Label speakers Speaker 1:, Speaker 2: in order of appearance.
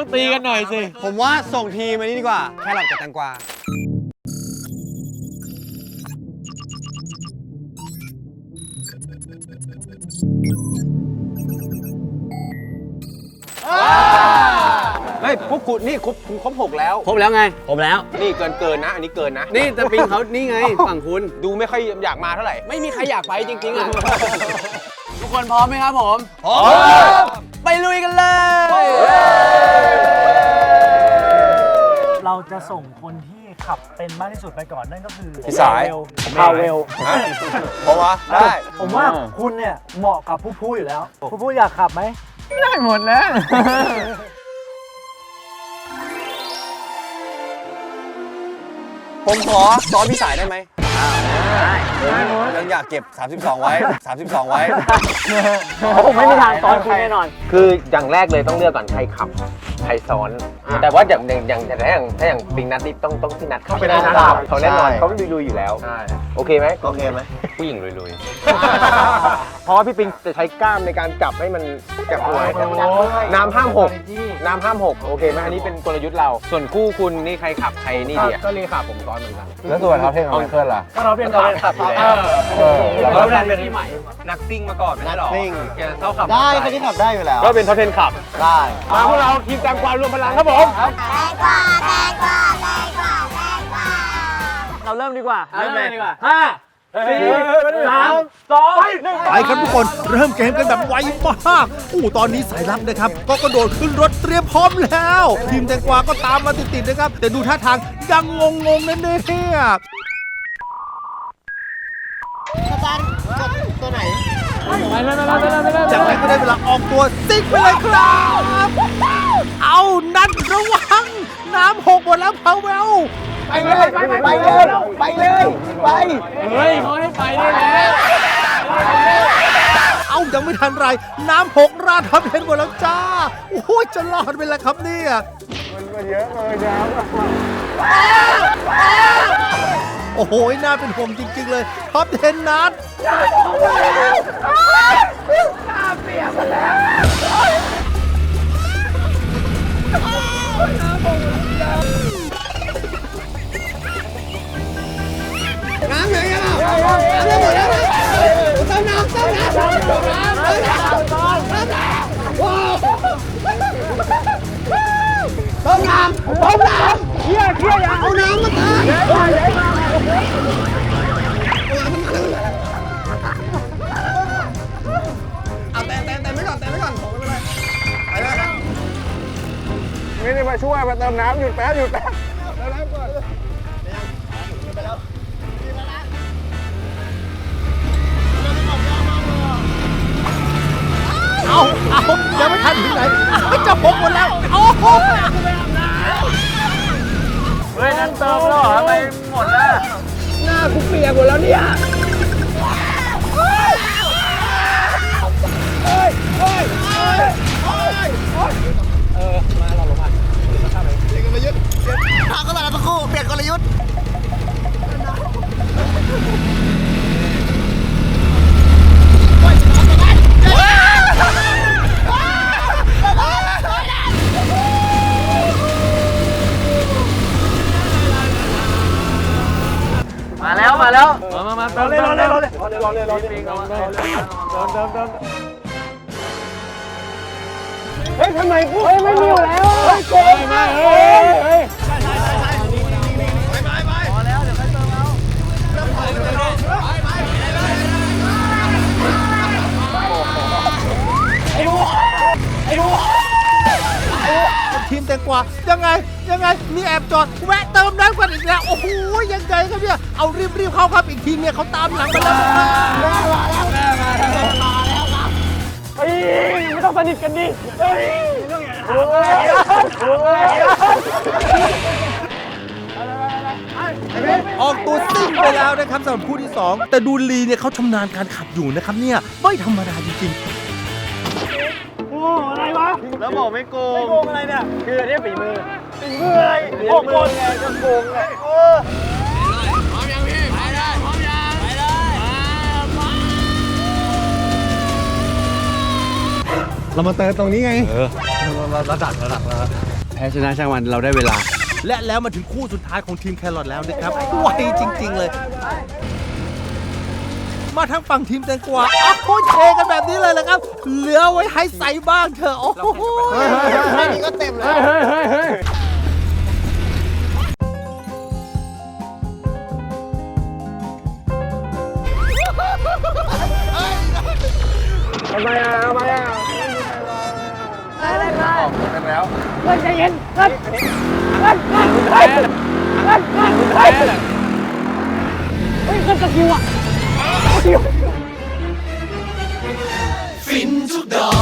Speaker 1: ต้องตีกันหน่อยสิ
Speaker 2: ผมว่าส่งทีมานี่ดีกว่าแครอทกับแตงกวาเฮ้ยพวกคุณนี่ครบ6แล้ว
Speaker 3: ครบแล้วไงครบแล้ว
Speaker 2: นี่เกินนะ อันนี้เกินนะ
Speaker 3: นี่แต่ปิงเขานี่ไงฝั่งคุณ
Speaker 2: ดูไม่ค่อยอยากมาเท่าไหร่
Speaker 3: ไม่มีใครอยากไปจริงๆอ่ะ ทุกคนพร้อมไหมครับผม
Speaker 2: พร้อม
Speaker 3: ไปลุยกันเลย
Speaker 4: เราจะส่งคนที่ขับเป็นมากที่สุดไปก่อนนั่นก็คือ
Speaker 2: พี่สาย
Speaker 4: พาเวล
Speaker 2: เพราะว่าได้
Speaker 4: ผมว่าคุณเนี่ยเหมาะกับผู้พูดอยู่แล้วผู้พูดอยากขับไหม
Speaker 1: ได้หมดแล้ว
Speaker 2: ผมขอซ้อนพี่สายได้ไหมยังอยากเก็บ 32 ไว้ 32 ไว้
Speaker 4: ผมไม่มีทางตอนคุณแน่นอน
Speaker 5: คืออย่างแรกเลยต้องเลือกก่อนใครขับใครซ้อน แต่ว่าอย่างถ้าอย่างปิงนัดนี่ต้องที่นัดขับ
Speaker 2: เป็นนัดขับ
Speaker 5: เขาแน่นอน
Speaker 2: ใช่
Speaker 5: เขาลุยๆอยู่แล้ว โอเคไหม
Speaker 2: โอเคไหม
Speaker 5: ผู้หญิงลุยๆ เพราะว่าพี่ปิงจะใช้กล้ามในการจับให้มันจับหัวน้ำห้ามหกน้ำห้ามหกโอเคไหมอันนี้เป็นกลยุทธ์เรา ส่วนคู่คุณนี่ใครขับใครนี่ดีก็เลยขับผมซ้อนเหมือนกัน
Speaker 2: แล้วส่วนเขาเท่งของไมเคิลล่ะ
Speaker 4: ก็เราเป็นขับอยู่แล้ว
Speaker 5: เราเป็นที่ใหม่นักซิ่งมาก่อนไม่ใช่หรอ
Speaker 2: ซิ่ง
Speaker 5: แกเท่าขับ
Speaker 2: ได้คนที่ขับได้อยู่แล้ว
Speaker 5: ก็เป็นท็อป10ขับ
Speaker 2: ได้
Speaker 5: มาพวกเราทีมตามความรวมพลังครับผม
Speaker 4: เราเริ่มดีกว่า
Speaker 3: เริ่มเลยดีกว่า
Speaker 4: 4 3 2 1
Speaker 6: ไปครับทุกคนเริ่มเกมกันแบบไวมากตอนนี้สายลับนะครับ ก็กระโดดขึ้นรถเตรียมพร้อมแล้ว ทีมแตงกวาก็ตามมาติดๆนะครับ แต่ดูท่าทางยังงงๆนั่นเนี่ยจากนั้นก็ได้เวลาออกตัวซิกไปเลยครับ เอานัดระวัง น้ำหกหมดแล้วพาวเวล
Speaker 2: ไปเลย ไป
Speaker 1: เฮ้ยเขาให้ไปได้แล้ว
Speaker 6: เอายังไม่ทันไร น้ำหกราดทับเห็นหมดแล้วจ้า โอ้โหจะรอดไปแล้วครับเนี่ยมันเยอะเลยน้ำโอ้โหน่าเป็นห่วงจริงๆเลยท็อป10นัด
Speaker 5: ไม่ได้มาช่วยมาเติมน้ำหยุดแป๊บหยุดแป๊บ
Speaker 6: เอายังไม่ทันถึงไหนจะหกหมดแล้วโอ้โห
Speaker 4: เฮ้ยนั่นเติมแล้วเหรอทำไมหมดแล้ว
Speaker 5: หน้ากูเปียกหมดแล้วเนี่ย
Speaker 3: มาแล้วมาแล้ว
Speaker 1: มาเติมเลย
Speaker 5: เฮ้ยทำไมกูไม่มีอยู่แล้ว
Speaker 6: ทีมแตงกวายังไงมีแอบจอดแวะเติมน้ำกันอีกแล้วโอ้โหยังไงครับเนี่ยเอารีบเข้าครับอีกทีเนี่ยเขาตามหลังไปแล้ว
Speaker 4: ไม่ต้องสนิทกันดิ
Speaker 6: ออกตัวซิ่งไปแล้วนะครับสำหรับคู่ที่ 2 แต่ดูลีเนี่ยเขาชำนาญการขับอยู่นะครับเนี่ยไม่ธรรมดาจริงๆ
Speaker 4: อะไรวะ
Speaker 5: แล้วบอกไม่โกง
Speaker 4: โกงอะไรเนี่ย
Speaker 5: คืออันนี้ฝีมือ
Speaker 4: เป็นเมื่ออะไรโกงคนไงจะโกงไง
Speaker 2: เรามาเติมตรงนี้ไง
Speaker 1: ระดับ
Speaker 2: แพ้ชนะช่างมันเราได้เวลา
Speaker 6: และแล้วมาถึงคู่สุดท้ายของทีมแครอทแล้วนะครับไวจริง ๆ เลย มาทั้งฝั่งทีมแตงกวาอ้าวโคเชกันแบบนี้เลยแหละครับ เหลือไว้ให้ใส่บ้างเถอะโอ้โห
Speaker 1: นี่ก็เต็มเลยเฮ้ย
Speaker 5: ทำไมอ่ะทำไมอ่ะ
Speaker 1: อะไรมา
Speaker 5: ออกกันแล้ว
Speaker 1: เพื่อนใจเย็นเพื่อนแพ้แพ้เลยเฮ้ยเพื่อนสกิลอ่ะ
Speaker 7: ฟินทุกดอก